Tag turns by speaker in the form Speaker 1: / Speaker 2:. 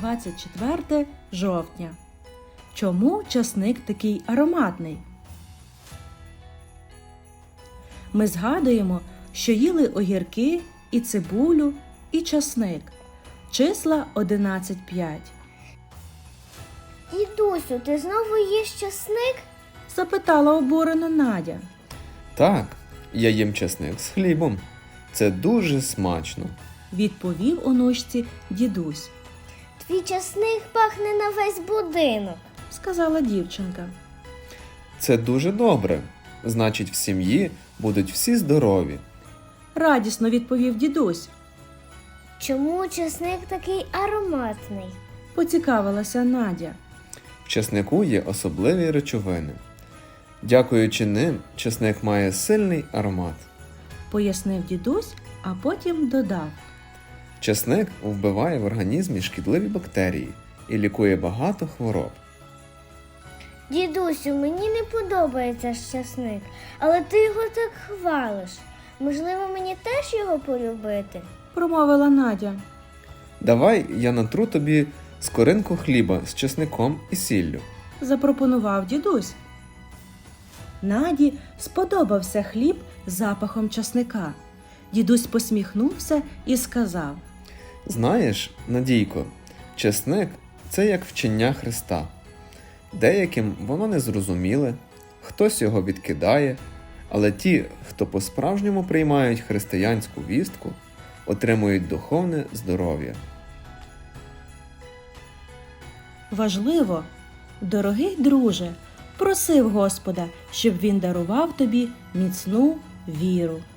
Speaker 1: 24 жовтня. Чому часник такий ароматний? Ми згадуємо, що їли огірки і цибулю, і часник. Числа 11-5.
Speaker 2: Дідусю, ти знову їш часник?
Speaker 1: Запитала обурено Надя.
Speaker 3: Так, я їм часник з хлібом. Це дуже смачно.
Speaker 1: Відповів онучці дідусь.
Speaker 2: Твій часник пахне на весь будинок.
Speaker 1: Сказала дівчинка.
Speaker 3: Це дуже добре. Значить, в сім'ї будуть всі здорові.
Speaker 1: Радісно відповів дідусь.
Speaker 2: Чому часник такий ароматний?
Speaker 1: Поцікавилася Надя.
Speaker 3: В часнику є особливі речовини. Дякуючи ним, часник має сильний аромат.
Speaker 1: Пояснив дідусь, а потім додав.
Speaker 3: Часник вбиває в організмі шкідливі бактерії і лікує багато хвороб.
Speaker 2: Дідусю, мені не подобається часник, але ти його так хвалиш. Можливо, мені теж його полюбити?
Speaker 1: Промовила Надя.
Speaker 3: Давай я натру тобі скоринку хліба з часником і сіллю.
Speaker 1: Запропонував дідусь. Наді сподобався хліб з запахом часника. Дідусь посміхнувся і сказав.
Speaker 3: Знаєш, Надійко, часник – це як вчення Христа. Деяким воно незрозуміле, хтось його відкидає, але ті, хто по-справжньому приймають християнську вістку, отримують духовне здоров'я.
Speaker 1: Важливо, дорогий друже, просив Господа, щоб він дарував тобі міцну віру.